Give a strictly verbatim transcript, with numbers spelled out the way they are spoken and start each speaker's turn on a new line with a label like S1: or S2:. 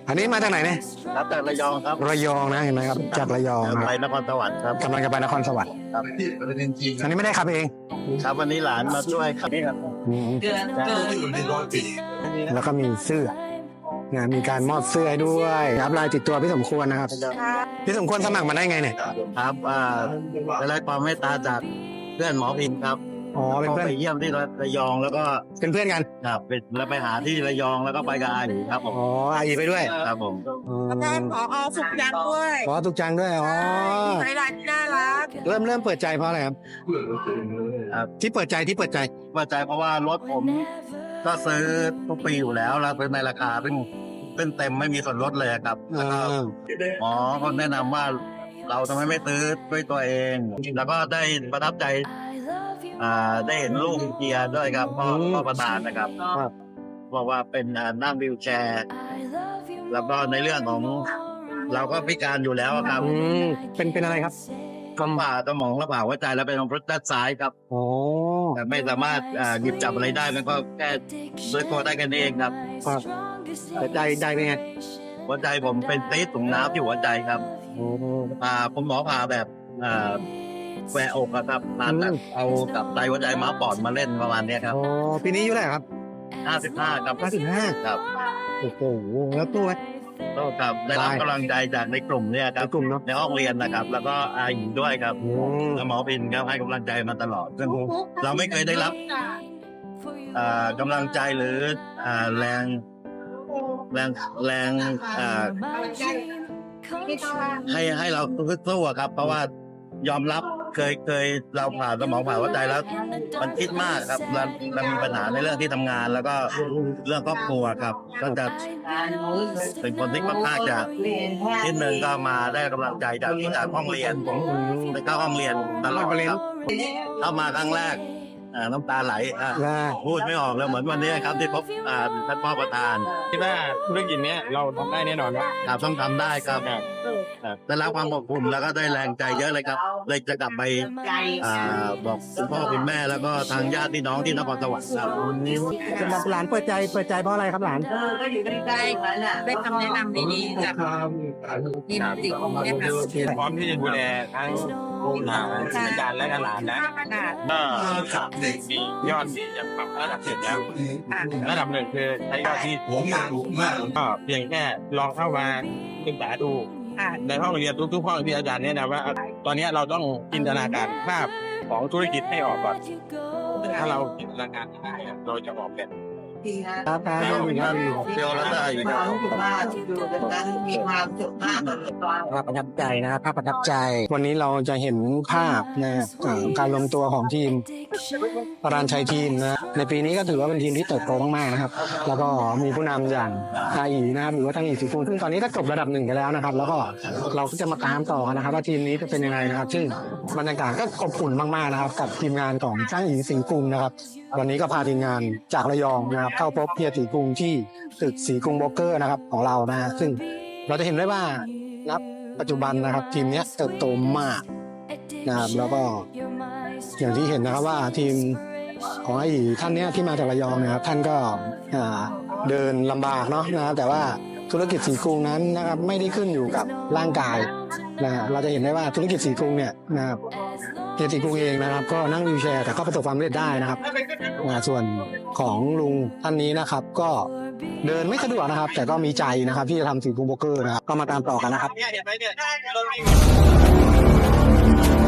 S1: อันนี้มาจากไหนเนี่ย
S2: ครับจากระยองครับ
S1: ระยองนะเห็นไหมครับจากระยอง
S2: ไปนครสวรรค์ครับ
S1: กำลังจะไปนครสวรรค์
S2: ครับ
S1: อันนี้ไม่ได้ขับเอง
S2: ครับวันนี้หลานมาช่วยครับนี่ครับ
S1: แล้วก็มีเสื้อนะมีการมอบเสื้อให้ด้วยครับลายติดตัวพี่สมควรนะครับพี่สมควรสมัครมาได้ไงเนี่ย
S2: ครับอ่าได้รับความเมตตาจากเพื่อนหมอพิมพ์ครับ
S1: อ๋อเป็นเพื่อน
S2: ไปเยี่ยมที่ระยองแล้วก็
S1: เป็นเพื่อนกัน
S2: ครับไปแล้วไปหาที่ระยองแล้วก็ไปกับอาอีครับผม
S1: อ๋ออาอีไปด้วย
S2: ครับผม
S3: แล้วก็ผอสุขจังด้วย
S1: อ๋อสุขจังด้วยอ๋อ
S3: ใช้ร้านน่ารัก
S1: เริ่มเริ่มเปิดใจเพราะอะไรครับที่เปิดใจที่เปิดใจ
S2: เปิดใจเพราะว่ารถผมก็ซื้อทุกปีอยู่แล้วแล้วซื้อในราคาซึ่งเป็นเต็มไม่มีส่วนลดเลยครับแล้วก็หมอเขาแนะนำว่าเราทำไมไม่ซื้อด้วยตัวเองแล้วก็ได้ประทับใจอ่าได้เห็นลูกเกียร์ด้วยครับพ่อพ่อประธานนะครับบอกว่าเป็นนั่งวีลแชร์แล้วก็ในเรื่องของเราก็พิการอยู่แล้วครับ
S1: เป็นเป็นอะไรครับ
S2: กำผ่าสมองและผ่าหัวใจแล้วเป็นรถด้านซ้ายครับ
S1: โอ้
S2: แต่ไม่สามารถหยิบจับอะไรได้มันก็แค่ด้วยตัวได้กันเองครับ
S1: แต่ใจใจเป็นไง
S2: หัวใจผมเป็นตีถุงน้ำที่หัวใจครับผ่าผมหมอผ่าแบบแหวกอกครับผ่าตัดเอากับไตหัวใจม้าปอดมาเล่นประมาณนี้ครับ
S1: อ๋อปีนี้อายุเท่าไหร่ครับ
S2: ห้าสิบห้าครับ
S1: ห้าสิบห้า
S2: ครับ
S1: โอ้โหแล้วตัว
S2: โตครับได้รับกำลังใจจากในกลุ่มเนี่ยครับ
S1: กลุ่มเนาะ
S2: ในห้องเรียนนะครับแล้วก็อาหญิงด้วยครับแล้วหมอพินครับให้กำลังใจมาตลอดซึ่งเราไม่เคยได้รับกำลังใจหรือแรงแรงแรงให้ให้เราสู้ครับเพราะว่ายอมรับเคยเคยเราผ่าสมองผ่าหัวใจแล้วมันคิดมากครับเราเรามีปัญหาในเรื่องที่ทำงานแล้วก็เรื่องครอบครัวครับก็จะเป็นคนที่ค่อนข้างจะที่หนึ่งก็มาได้กำลังใจจากที่จากห้องเรียนผมไปเข้าห้องเรียนตลอดครับเข้ามาครั้งแรกน้ำตาไหลพูดไม่ออกแล้วเหมือนวันนี้ครับที่พบท่านพ่อประธาน
S4: คิดว่าธุรกิจนี้เราทำได้แน่นอน
S2: ครับต้องทำได้ครับได้รับความอบอุ่นแล้วก็ได้แรงใจเยอะเลยครับเลยจะกลับไปบอกคุณพ่อคุณแม่แล้วก็ทางญาติพี่น้องที่นครสวรรค์ครับ
S1: สำหรับหลานเปิดใจเปิดใจเพราะอะไรครับหลาน
S3: ได้ได้คำแนะนำดีๆจากทีมจิตของเนี่ยค่ะ
S4: พร้อมที่จะดูแลทั้งอาจารย์และหลานนะก็มียอดที่จะปรับระดับเสร็จแล้วระดับหนึ่งคือใช้ยอดที่ผมก็เพียงแค่ลองเข้ามาศึกษาดูในห้องเรียนทุกๆห้องที่อาจารย์แนะนำว่าตอนนี้เราต้องจินตนาการภาพของธุรกิจให้ออกก่อนถ้าเราจินตนาการได้เราจะออกแบบ
S1: ครับครับ
S2: เดียวแล้วได้
S1: ภาพประทับใจนะครับภาพประทับใจวันนี้เราจะเห็นภาพนะการลงตัวของทีมปราณชัยทีมนะในปีนี้ก็ถือว่าเป็นทีมที่เติบโตมากๆนะครับแล้วก็มีผู้นำอย่างอาอีนะครับหรือว่าทางอีสีฟูซึ่งตอนนี้ก็จบระดับหนึ่งกันแล้วนะครับแล้วก็เราก็จะมาตามต่อกันนะครับว่าทีมนี้จะเป็นยังไงนะครับซึ่งบรรยากาศก็อบอุ่นมากๆนะครับกับทีมงานของช่างอีสิงห์กรุงนะครับวันนี้ก็พาทีมงานจากระยองนะครับเข้าพบเฮียสีกรุงที่ตึกสีกรุงโบรกเกอร์นะครับของเรานะฮะซึ่งเราจะเห็นได้ว่านับปัจจุบันนะครับทีมนี้เติบโตมากนะครับแล้วก็อย่างที่เห็นนะครับว่าทีมของไอ้ท่านเนี้ยที่มาจากระยองนะครับท่านก็เดินลำบากเนาะนะแต่ว่าธุรกิจสีกรุงนั้นนะครับไม่ได้ขึ้นอยู่กับร่างกายนะเราจะเห็นได้ว่าธุรกิจสีกรุงเนี่ยนะครับเฮียสีกรุงเองนะครับก็นั่งวีลแชร์แต่ก็ประสบความสำเร็จได้นะครับส่วนของลุงท่านนี้นะครับก็เดินไม่สะดวกนะครับแต่ก็มีใจนะครับที่จะทำสีกรุงโบรกเกอร์นะครับก็มาตามต่อกันนะครับ